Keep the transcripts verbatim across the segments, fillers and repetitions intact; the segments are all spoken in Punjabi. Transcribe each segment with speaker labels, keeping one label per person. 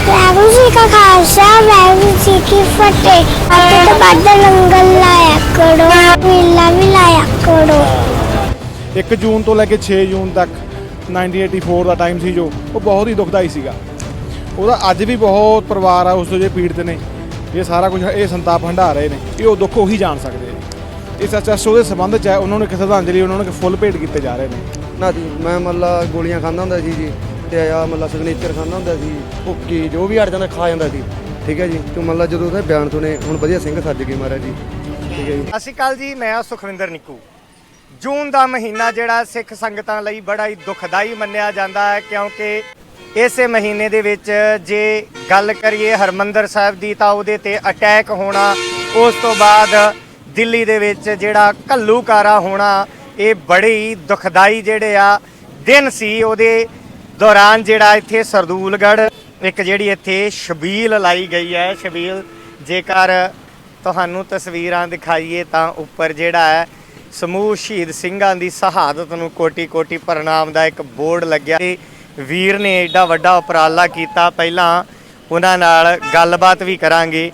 Speaker 1: वाहेगुरु जी का खालसा वाहेगुरु जी की फतेह। आते तो बाद लंगर लाया करो, मेला भी लाया करो।
Speaker 2: एक जून तो लैके छे जून तक नाइनटीन एटी फोर का टाइम ਸੀ ਜੋ ਉਹ ਬਹੁਤ ਹੀ ਦੁਖਦਾਈ ਸੀਗਾ। ਉਹਦਾ ਅੱਜ ਵੀ ਬਹੁਤ ਪਰਿਵਾਰ ਆ ਉਸ ਤੋਂ ਜੇ ਪੀੜਤ ਨੇ, ਇਹ ਸਾਰਾ ਕੁਝ ਇਹ ਸੰਤਾਪ ਹੰਢਾ ਰਹੇ ਨੇ, ਇਹ ਉਹ ਦੁੱਖ ਉਹੀ ਜਾਣ ਸਕਦੇ ਆ। ਇਸ ਐਸ ਉਹਦੇ ਸੰਬੰਧ 'ਚ ਹੈ, ਉਹਨਾਂ ਨੂੰ ਇੱਕ ਸ਼ਰਧਾਂਜਲੀ ਉਹਨਾਂ ਨੂੰ ਫੁੱਲ ਭੇਟ ਕੀਤੇ ਜਾ ਰਹੇ ਨੇ।
Speaker 3: ਨਾ ਜੀ ਮੈਂ ਮਤਲਬ ਗੋਲੀਆਂ ਖਾਂਦਾ ਹੁੰਦਾ ਸੀ ਜੀ, ਤੇ ਆ ਮਤਲਬ ਸਿਗਨੇਚਰ ਖਾਂਦਾ ਹੁੰਦਾ ਸੀ, ਭੁੱਕੀ ਜੋ ਵੀ ਅੜ ਜਾਂਦਾ ਖਾ ਜਾਂਦਾ ਸੀ। ਠੀਕ ਹੈ ਜੀ, ਤੇ ਮਤਲਬ ਜਦੋਂ ਉਹਦੇ ਬਿਆਨ ਸੁਣੇ ਹੁਣ ਵਧੀਆ ਸਿੰਘ ਸੱਜ ਗਏ ਮਹਾਰਾਜ ਜੀ। ਠੀਕ ਹੈ ਜੀ।
Speaker 4: ਸਤਿ ਸ਼੍ਰੀ ਅਕਾਲ ਜੀ, ਮੈਂ ਸੁਖਵਿੰਦਰ ਨਿੱਕੂ। ਜੂਨ ਦਾ ਮਹੀਨਾ ਜਿਹੜਾ ਸਿੱਖ ਸੰਗਤਾਂ ਲਈ ਬੜਾ ਹੀ ਦੁਖਦਾਈ ਮੰਨਿਆ ਜਾਂਦਾ ਹੈ, ਕਿਉਂਕਿ ਇਸੇ ਮਹੀਨੇ ਦੇ ਵਿੱਚ ਜੇ ਗੱਲ ਕਰੀਏ ਹਰਮੰਦਰ ਸਾਹਿਬ ਦੀ ਤਾਂ ਉਹਦੇ ਤੇ ਅਟੈਕ ਹੋਣਾ, ਉਸ ਤੋਂ ਬਾਅਦ ਦਿੱਲੀ ਦੇ ਵਿੱਚ ਜਿਹੜਾ ਘੱਲੂਕਾਰਾ ਹੋਣਾ, ਇਹ ਬੜੇ ਹੀ ਦੁਖਦਾਈ ਜਿਹੜੇ ਆ ਦਿਨ ਸੀ। ਉਹਦੇ ਦੌਰਾਨ ਜਿਹੜਾ ਇੱਥੇ ਸਰਦੂਲਗੜ੍ਹ ਇੱਕ ਜਿਹੜੀ ਇੱਥੇ ਛਬੀਲ ਲਾਈ ਗਈ ਹੈ। ਛਬੀਲ ਜੇਕਰ ਤੁਹਾਨੂੰ ਤਸਵੀਰਾਂ ਦਿਖਾਈਏ ਤਾਂ ਉੱਪਰ ਜਿਹੜਾ ਹੈ ਸਮੂਹ ਸ਼ਹੀਦ ਸਿੰਘਾਂ ਦੀ ਸ਼ਹਾਦਤ ਨੂੰ ਕੋਟੀ ਕੋਟੀ ਪ੍ਰਣਾਮ ਦਾ ਇੱਕ ਬੋਰਡ ਲੱਗਿਆ। ਤੇ ਵੀਰ ਨੇ ਐਡਾ ਵੱਡਾ ਉਪਰਾਲਾ ਕੀਤਾ, ਪਹਿਲਾਂ ਉਹਨਾਂ ਨਾਲ ਗੱਲਬਾਤ ਵੀ ਕਰਾਂਗੇ।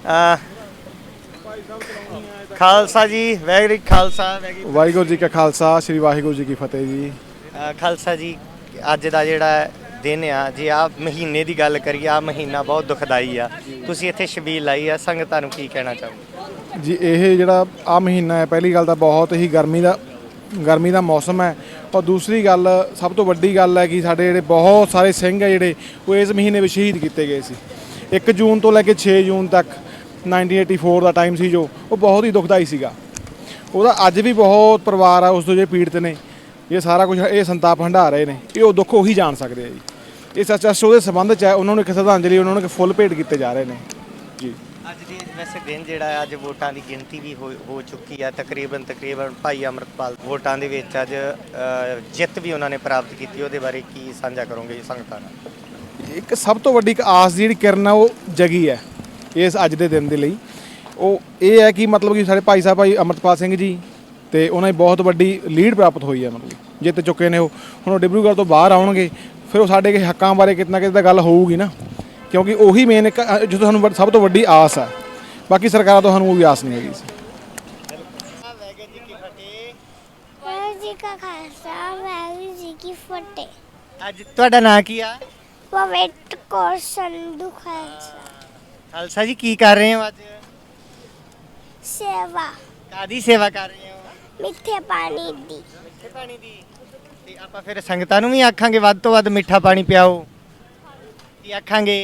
Speaker 4: ਖਾਲਸਾ ਜੀ, ਵਾਹਿਗੁਰੂ ਖਾਲਸਾ
Speaker 2: ਵਾਹਿਗੁਰੂ ਜੀ ਕਾ ਖਾਲਸਾ, ਸ੍ਰੀ ਵਾਹਿਗੁਰੂ ਜੀ ਕੀ ਫਤਿਹ ਜੀ।
Speaker 4: ਖਾਲਸਾ ਜੀ, ਅੱਜ ਦਾ ਜਿਹੜਾ ਦਿਨ ਆ, ਜੇ ਆ ਮਹੀਨੇ ਦੀ ਗੱਲ ਕਰੀਏ, ਆ ਮਹੀਨਾ ਬਹੁਤ ਦੁਖਦਾਈ ਆ। ਤੁਸੀਂ ਇੱਥੇ ਛਬੀਲ ਲਾਈ ਆ, ਸੰਗਤਾਂ ਨੂੰ ਕੀ ਕਹਿਣਾ ਚਾਹੋਗੇ
Speaker 2: ਜੀ? ਇਹ ਜਿਹੜਾ ਆ ਮਹੀਨਾ ਹੈ, ਪਹਿਲੀ ਗੱਲ ਤਾਂ ਬਹੁਤ ਹੀ ਗਰਮੀ ਦਾ ਗਰਮੀ ਦਾ ਮੌਸਮ ਹੈ, ਔਰ ਦੂਸਰੀ ਗੱਲ ਸਭ ਤੋਂ ਵੱਡੀ ਗੱਲ ਹੈ ਕਿ ਸਾਡੇ ਜਿਹੜੇ ਬਹੁਤ ਸਾਰੇ ਸਿੰਘ ਹੈ ਜਿਹੜੇ ਉਹ ਇਸ ਮਹੀਨੇ ਵਿੱਚ ਸ਼ਹੀਦ ਕੀਤੇ ਗਏ ਸੀ। ਇੱਕ ਜੂਨ ਤੋਂ ਲੈ ਕੇ ਛੇ ਜੂਨ ਤੱਕ ਨਾਈਨਟੀਨ ਏਟੀ ਫੋਰ ਦਾ ਟਾਈਮ ਸੀ ਜੋ ਉਹ ਬਹੁਤ ਹੀ ਦੁਖਦਾਈ ਸੀਗਾ। ਉਹਦਾ ਅੱਜ ਵੀ ਬਹੁਤ ਪਰਿਵਾਰ ਆ ਉਸ ਤੋਂ ਜੇ ਪੀੜਤ ਨੇ, ਇਹ ਸਾਰਾ ਕੁਝ ਇਹ ਸੰਤਾਪ ਹੰਢਾ ਰਹੇ ਨੇ, ਇਹ ਉਹ ਦੁੱਖ ਉਹੀ ਜਾਣ ਸਕਦੇ ਆ ਜੀ। ਇਸ ਐਸ ਉਹਦੇ ਸੰਬੰਧ 'ਚ ਹੈ, ਉਹਨਾਂ ਨੂੰ ਇੱਕ ਸ਼ਰਧਾਂਜਲੀ ਉਹਨਾਂ ਨੂੰ ਫੁੱਲ ਭੇਟ ਕੀਤੇ ਜਾ ਰਹੇ ਨੇ ਜੀ। ਅੱਜ
Speaker 4: ਦੀ ਵੈਸੇ ਦਿਨ ਜਿਹੜਾ ਅੱਜ ਵੋਟਾਂ ਦੀ ਗਿਣਤੀ ਵੀ ਹੋ ਹੋ ਚੁੱਕੀ ਆ, ਤਕਰੀਬਨ ਤਕਰੀਬਨ ਭਾਈ ਅੰਮ੍ਰਿਤਪਾਲ ਵੋਟਾਂ ਦੇ ਵਿੱਚ ਅੱਜ ਜਿੱਤ ਵੀ ਉਹਨਾਂ ਨੇ ਪ੍ਰਾਪਤ ਕੀਤੀ। ਉਹਦੇ ਬਾਰੇ ਕੀ ਸਾਂਝਾ ਕਰੋਗੇ ਸੰਗਤਾਂ ਨਾਲ?
Speaker 2: ਇੱਕ ਸਭ ਤੋਂ ਵੱਡੀ ਇੱਕ ਆਸ ਦੀ ਜਿਹੜੀ ਕਿਰਨ ਆ ਉਹ ਜਗੀ ਹੈ ਇਸ ਅੱਜ ਦੇ ਦਿਨ ਦੇ ਲਈ। ਉਹ ਇਹ ਹੈ ਕਿ ਮਤਲਬ ਕਿ ਸਾਡੇ ਭਾਈ ਸਾਹਿਬ ਭਾਈ ਅੰਮ੍ਰਿਤਪਾਲ ਸਿੰਘ ਜੀ ਤੇ ਉਹਨਾਂ ਦੀ ਬਹੁਤ ਵੱਡੀ ਲੀਡ ਪ੍ਰਾਪਤ ਹੋਈ ਹੈ, ਮਤਲਬ ਜਿੱਤ ਚੁੱਕੇ ਨੇ ਉਹ। ਹੁਣ ਉਹ ਡਿਬਰੂਗੜ੍ਹ ਤੋਂ ਬਾਹਰ ਆਉਣਗੇ, ਫਿਰ ਉਹ ਸਾਡੇ ਕੇ ਹੱਕਾਂ ਬਾਰੇ ਕਿਤੇ ਨਾ ਕਿਤੇ ਤਾਂ ਗੱਲ ਹੋਊਗੀ ਨਾ, ਕਿਉਂਕਿ ਉਹੀ ਮੇਨ ਇੱਕ ਜੋ ਸਾਨੂੰ ਸਭ ਤੋਂ ਵੱਡੀ ਆਸ ਹੈ। ਬਾਕੀ ਸਰਕਾਰਾਂ ਤੋਂ ਸਾਨੂੰ ਉਹ ਵੀ ਆਸ ਨਹੀਂ ਹੈਗੀ ਸੀ।
Speaker 1: वाहेगुरु जी का खालसा वाहेगुरु जी की फतेह।
Speaker 4: ਅੱਜ ਤੁਹਾਡਾ ਨਾਂ ਕੀ ਆ?
Speaker 1: पवित्र कौर संधू खालसा
Speaker 4: ਖਾਲਸਾ ਜੀ, ਕੀ ਕਰ ਰਹੇ ਹੋ ਅੱਜ?
Speaker 1: सेवा
Speaker 4: ਕਾਦੀ ਸੇਵਾ ਕਰ ਰਹੇ ਹੋ?
Speaker 1: मिठे पानी दी।
Speaker 4: ਮਿੱਠੇ ਪਾਣੀ ਦੀ। ਤੇ ਆਪਾਂ ਫਿਰ ਸੰਗਤਾਂ ਨੂੰ ਵੀ ਆਖਾਂਗੇ ਵੱਧ ਤੋਂ ਵੱਧ ਮਿੱਠਾ ਪਾਣੀ ਪਿਆਓ। ਕੀ ਆਖਾਂਗੇ?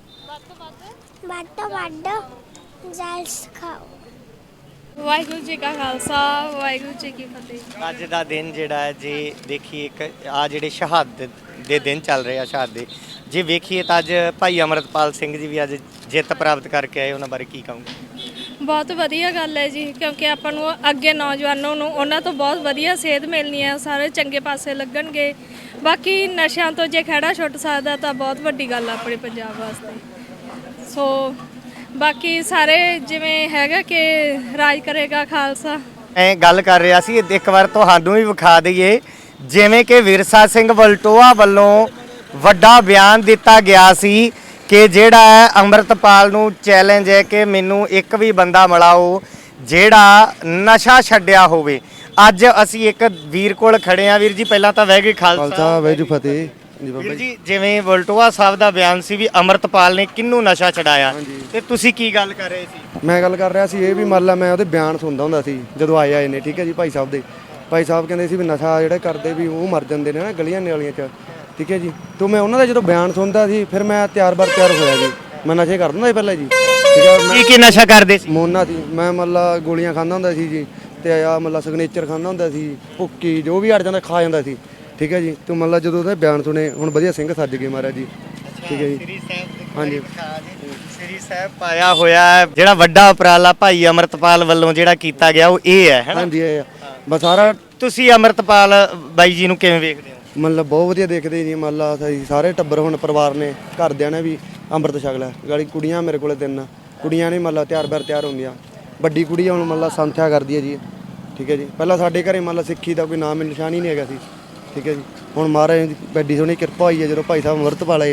Speaker 1: बाटो बाटो जाल खाओ।
Speaker 5: ਵਾਹਿਗੁਰੂ ਜੀ ਕਾ ਖਾਲਸਾ ਵਾਹਿਗੁਰੂ ਜੀ ਕੀ ਫਤਿਹ।
Speaker 4: ਅੱਜ ਦਾ ਦਿਨ ਜਿਹੜਾ ਹੈ, ਜੇ ਦੇਖੀਏ ਇੱਕ ਆ ਜਿਹੜੇ ਸ਼ਹਾਦਤ ਦੇ ਦਿਨ ਚੱਲ ਰਹੇ ਆ, ਸ਼ਹਾਦਤ ਜੇ ਵੇਖੀਏ ਤਾਂ ਅੱਜ ਭਾਈ ਅੰਮ੍ਰਿਤਪਾਲ ਸਿੰਘ ਜੀ ਵੀ ਅੱਜ ਜਿੱਤ ਪ੍ਰਾਪਤ ਕਰਕੇ ਆਏ, ਉਹਨਾਂ ਬਾਰੇ ਕੀ ਕਹੋਗੇ?
Speaker 5: ਬਹੁਤ ਵਧੀਆ ਗੱਲ ਹੈ ਜੀ, ਕਿਉਂਕਿ ਆਪਾਂ ਨੂੰ ਅੱਗੇ ਨੌਜਵਾਨਾਂ ਨੂੰ ਉਹਨਾਂ ਤੋਂ ਬਹੁਤ ਵਧੀਆ ਸੇਧ ਮਿਲਣੀ ਹੈ, ਸਾਰੇ ਚੰਗੇ ਪਾਸੇ ਲੱਗਣਗੇ। ਬਾਕੀ ਨਸ਼ਿਆਂ ਤੋਂ ਜੇ ਖਹਿੜਾ ਛੁੱਟ ਸਕਦਾ ਤਾਂ ਬਹੁਤ ਵੱਡੀ ਗੱਲ ਆ ਆਪਣੇ ਪੰਜਾਬ ਵਾਸਤੇ। ਸੋ ਬਾਕੀ ਸਾਰੇ ਜਿਵੇਂ ਹੈਗਾ ਕਿ ਰਾਜ ਕਰੇਗਾ ਖਾਲਸਾ।
Speaker 4: ਮੈਂ ਗੱਲ ਕਰ ਰਿਹਾ ਸੀ, ਇੱਕ ਵਾਰ ਤੁਹਾਨੂੰ ਵੀ ਵਿਖਾ ਦਈਏ, ਜਿਵੇਂ ਕਿ ਵਿਰਸਾ ਸਿੰਘ ਵਲਟੋਆ ਵੱਲੋਂ ਵੱਡਾ ਬਿਆਨ ਦਿੱਤਾ ਗਿਆ ਸੀ ਕਿ ਜਿਹੜਾ ਹੈ ਅੰਮ੍ਰਿਤਪਾਲ ਨੂੰ ਚੈਲੰਜ ਹੈ ਕਿ ਮੈਨੂੰ ਇੱਕ ਵੀ ਬੰਦਾ ਮਿਲਾਓ ਜਿਹੜਾ ਨਸ਼ਾ ਛੱਡਿਆ ਹੋਵੇ। ਅੱਜ ਅਸੀਂ ਇੱਕ ਵੀਰ ਕੋਲ ਖੜੇ ਆ। ਵੀਰ ਜੀ, ਪਹਿਲਾਂ ਤਾਂ ਵਾਹਿਗੁਰੂ ਖਾਲਸਾ
Speaker 3: ਖਾਲਸਾ ਵਾਹਿਗੁਰੂ ਫਤਿਹ ਜੀ। ਬਾਬਾ
Speaker 4: ਵੀਰ
Speaker 3: ਜੀ
Speaker 4: ਜੀ, ਜਿਵੇਂ ਵਲਟੋਆ ਸਾਹਿਬ ਦਾ ਬਿਆਨ ਸੀ ਵੀ ਅੰਮ੍ਰਿਤਪਾਲ ਨੇ ਕਿਹਨੂੰ ਨਸ਼ਾ ਛਡਾਇਆ, ਤੇ ਤੁਸੀਂ ਕੀ ਗੱਲ ਕਰ ਰਹੇ ਸੀ?
Speaker 3: ਮੈਂ ਗੱਲ ਕਰ ਰਿਹਾ ਸੀ ਇਹ ਵੀ ਮੰਨ ਲਾ ਮੈਂ ਉਹਦੇ ਬਿਆਨ ਸੁਣਦਾ ਹੁੰਦਾ ਸੀ ਜਦੋਂ ਆਏ ਆਏ ਨੇ। ਠੀਕ ਹੈ ਜੀ, ਭਾਈ ਸਾਹਿਬ ਦੇ ਭਾਈ ਸਾਹਿਬ ਕਹਿੰਦੇ ਸੀ ਵੀ ਨਸ਼ਾ ਜਿਹੜਾ ਕਰਦੇ ਵੀ ਉਹ ਮਰ ਜਾਂਦੇ ਨੇ ਨਾ ਗਲੀਆਂ ਨਾਲੀਆਂ 'ਚ। ਠੀਕ ਹੈ ਜੀ, ਤੋਂ ਮੈਂ ਉਹਨਾਂ ਦਾ ਜਦੋਂ ਬਿਆਨ ਸੁਣਦਾ ਸੀ ਫਿਰ ਮੈਂ ਤਿਆਰ ਬਰ ਤਿਆਰ ਹੋਇਆ ਜੀ। ਮੈਂ ਨਸ਼ੇ ਕਰਦਾ ਹੁੰਦਾ ਸੀ ਪਹਿਲਾਂ ਜੀ। ਠੀਕ ਹੈ,
Speaker 4: ਕੀ ਕੀ ਨਸ਼ਾ ਕਰਦੇ ਸੀ?
Speaker 3: ਮੋਨਾ ਸੀ ਮੈਂ, ਮਤਲਬ ਗੋਲੀਆਂ ਖਾਂਦਾ ਹੁੰਦਾ ਸੀ ਜੀ, ਤੇ ਆ ਮਤਲਬ ਸਿਗਨੇਚਰ ਖਾਂਦਾ ਹੁੰਦਾ ਸੀ, ਭੁੱਕੀ ਜੋ ਵੀ ਅੜ ਜਾਂਦਾ ਖਾ ਜਾਂਦਾ ਸੀ। ਠੀਕ ਹੈ ਜੀ, ਤੋਂ ਮਤਲਬ ਜਦੋਂ ਉਹਦੇ ਬਿਆਨ ਸੁਣੇ ਹੁਣ ਵਧੀਆ ਸਿੰਘ ਸੱਜ ਗਏ ਮਹਾਰਾਜ ਜੀ। ਠੀਕ ਹੈ ਜੀ,
Speaker 4: ਸ੍ਰੀ ਸਾਹਿਬ
Speaker 3: ਹਾਂਜੀ।
Speaker 4: ਸ੍ਰੀ ਸਾਹਿਬ ਪਾਇਆ ਹੋਇਆ ਹੈ, ਜਿਹੜਾ ਵੱਡਾ ਉਪਰਾਲਾ ਭਾਈ ਅੰਮ੍ਰਿਤਪਾਲ ਵੱਲੋਂ ਜਿਹੜਾ ਕੀਤਾ ਗਿਆ ਉਹ ਇਹ ਹੈ, ਹੈਨਾ?
Speaker 3: ਹਾਂਜੀ ਇਹ ਬਸ ਸਾਰਾ।
Speaker 4: ਤੁਸੀਂ ਅੰਮ੍ਰਿਤਪਾਲ ਬਾਈ ਜੀ ਨੂੰ ਕਿਵੇਂ ਵੇਖਦੇ ਹੋ?
Speaker 3: ਮਤਲਬ ਬਹੁਤ ਵਧੀਆ ਦੇਖਦੇ ਜੀ, ਮੰਨ ਲਾ ਅਸੀਂ ਸਾਰੇ ਟੱਬਰ ਹੁਣ ਪਰਿਵਾਰ ਨੇ ਘਰਦਿਆਂ ਨੇ ਵੀ ਅੰਮ੍ਰਿਤ ਛਕ ਲਿਆ। ਗਾਲੀ ਕੁੜੀਆਂ ਮੇਰੇ ਕੋਲੇ ਤਿੰਨ ਕੁੜੀਆਂ ਨੇ, ਮੰਨ ਲਾ ਤਿਆਰ ਬਰ ਤਿਆਰ ਹੁੰਦੀਆਂ। ਵੱਡੀ ਕੁੜੀ ਹੁਣ ਮੰਨ ਲਾ ਸੰਥਿਆ ਕਰਦੀ ਹੈ ਜੀ। ਠੀਕ ਹੈ ਜੀ, ਪਹਿਲਾਂ ਸਾਡੇ ਘਰੇ ਮੰਨ ਲਾ ਸਿੱਖੀ ਦਾ ਕੋਈ ਨਾਮ ਨਿਸ਼ਾਨ ਹੀ ਨਹੀਂ ਹੈਗਾ ਸੀ। ਠੀਕ ਹੈ ਜੀ, ਹੁਣ ਮਹਾਰਾਜ ਦੀ ਵੱਡੀ ਸੋਹਣੀ ਕਿਰਪਾ ਹੋਈ ਹੈ ਜਦੋਂ ਭਾਈ ਸਾਹਿਬ ਅੰਮ੍ਰਿਤ ਪਾਲੇ ਆ।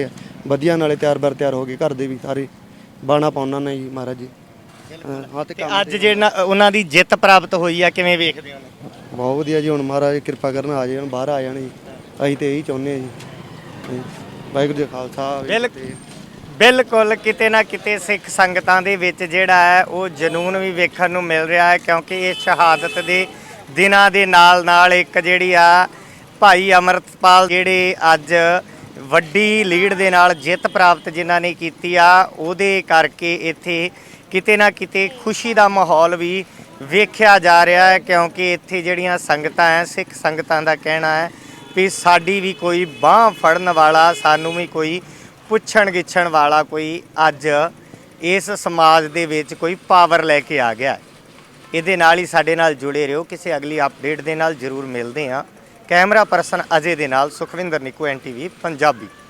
Speaker 3: ਵਧੀਆ ਨਾਲੇ ਤਿਆਰ ਬਰ ਤਿਆਰ ਹੋ ਗਏ, ਘਰ ਦੇ ਵੀ ਸਾਰੇ ਬਾਣਾ ਪਾਉਣਾ ਨੇ ਜੀ ਮਹਾਰਾਜ ਜੀ। ਹਾਂ ਹਾਂ ਤੇ
Speaker 4: ਤੇ
Speaker 3: ਕੰਮ
Speaker 4: ਅੱਜ ਜਿਹੜਾ ਉਹਨਾਂ ਦੀ ਜਿੱਤ ਪ੍ਰਾਪਤ ਹੋਈ ਆ ਕਿਵੇਂ ਵੇਖਦੇ ਹੋ ਉਹਨੂੰ?
Speaker 3: ਬਹੁਤ ਵਧੀਆ ਜੀ। ਹੁਣ ਮਹਾਰਾਜ ਕਿਰਪਾ ਕਰਨ ਆ ਜਾਣ, ਬਾਹਰ ਆ ਜਾਣ ਜੀ, ਅਸੀਂ ਤੇ ਇਹੀ ਚਾਹੁੰਦੇ ਹਾਂ ਜੀ। ਹਾਂਜੀ। ਵਾਹਿਗੁਰੂ ਜੀ ਕਾ ਖਾਲਸਾ ਵਾਹਿਗੁਰੂ ਜੀ ਕੀ
Speaker 4: ਬਿਲਕੁਲ
Speaker 3: ਫਤਿਹ।
Speaker 4: ਬਿਲਕੁਲ ਕਿਤੇ ਨਾ ਕਿਤੇ ਸਿੱਖ ਸੰਗਤਾਂ ਦੇ ਵਿੱਚ ਜਿਹੜਾ ਹੈ ਉਹ ਜਨੂਨ ਵੀ ਵੇਖਣ ਨੂੰ ਮਿਲ ਰਿਹਾ ਹੈ, ਕਿਉਂਕਿ ਇਹ ਸ਼ਹਾਦਤ ਦੇ ਦਿਨਾਂ ਦੇ ਨਾਲ ਨਾਲ ਇੱਕ ਜਿਹੜੀ ਆ ਭਾਈ ਅਮਰਤਪਾਲ ਜਿਹੜੇ ਅੱਜ ਵੱਡੀ ਲੀਡ ਦੇ ਨਾਲ ਜਿੱਤ ਪ੍ਰਾਪਤ ਜਿਨ੍ਹਾਂ ਨੇ ਕੀਤੀ ਆ, ਉਹਦੇ ਕਰਕੇ ਇੱਥੇ ਕਿਤੇ ਨਾ ਕਿਤੇ ਖੁਸ਼ੀ ਦਾ ਮਾਹੌਲ ਵੀ ਵੇਖਿਆ ਜਾ ਰਿਹਾ ਹੈ, ਕਿਉਂਕਿ ਇੱਥੇ ਜਿਹੜੀਆਂ ਸੰਗਤਾਂ ਹੈ, ਸਿੱਖ ਸੰਗਤਾਂ ਦਾ ਕਹਿਣਾ ਹੈ ਵੀ ਸਾਡੀ ਵੀ ਕੋਈ ਬਾਂਹ ਫੜਨ ਵਾਲਾ, ਸਾਨੂੰ ਵੀ ਕੋਈ ਪੁੱਛਣ ਗਿੱਛਣ ਵਾਲਾ ਕੋਈ ਅੱਜ ਇਸ ਸਮਾਜ ਦੇ ਵਿੱਚ ਕੋਈ ਪਾਵਰ ਲੈ ਕੇ ਆ ਗਿਆ। ਇਹਦੇ ਨਾਲ ਹੀ ਸਾਡੇ ਨਾਲ ਜੁੜੇ ਰਹੋ। ਕਿਸੇ ਅਗਲੀ ਅਪਡੇਟ ਦੇ ਨਾਲ ਜ਼ਰੂਰ ਮਿਲਦੇ ਹਾਂ। ਕੈਮਰਾ ਪਰਸਨ ਅਜੇ ਦੇ ਨਾਲ Sukhwinder Nikku, N T V Punjabi.